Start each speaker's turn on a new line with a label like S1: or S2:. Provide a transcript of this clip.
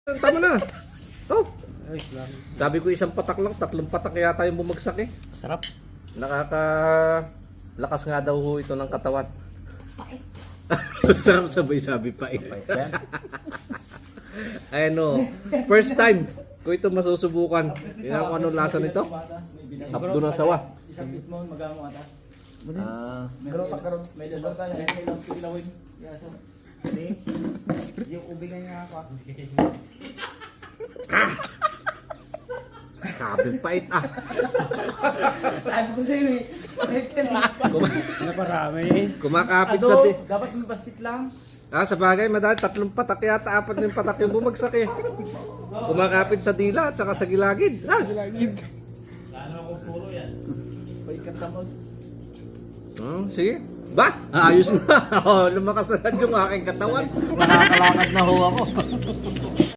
S1: Tama na. Oh,
S2: Ay, salamat.
S1: sabi ko isang patak lang, tatlong patak yata yung bumagsak eh.
S2: Sarap.
S1: Lakas nga daw ho ito ng katawan. Sarap sabay sabi pa eh.
S2: Yan.
S1: Ano, first time ko ito masusubukan. Tingnan ko anong lasa nito. Abdo ng sawa.
S3: Isang mo magamo ata.
S1: Ah,
S4: Garotak karon.
S3: May dalaw tayo. May lang kilawin. Yaso.
S4: Hindi. Yung ubing na nga ako.
S1: sabi pait ah.
S4: Sabi ko sa'yo eh.
S2: Naparami.
S1: Kumakapit sa di.
S3: Dapat may basit lang.
S1: Sa bagay, madali, tatlong patak yata, apat na yung patak yung bumagsak eh. Kumakapit sa dila at saka sa gilagid.
S3: Paikat tamod.
S1: Sige. Ba? Ayos na. Lumakas na yung aking katawan. Nakakalakad na ho ako.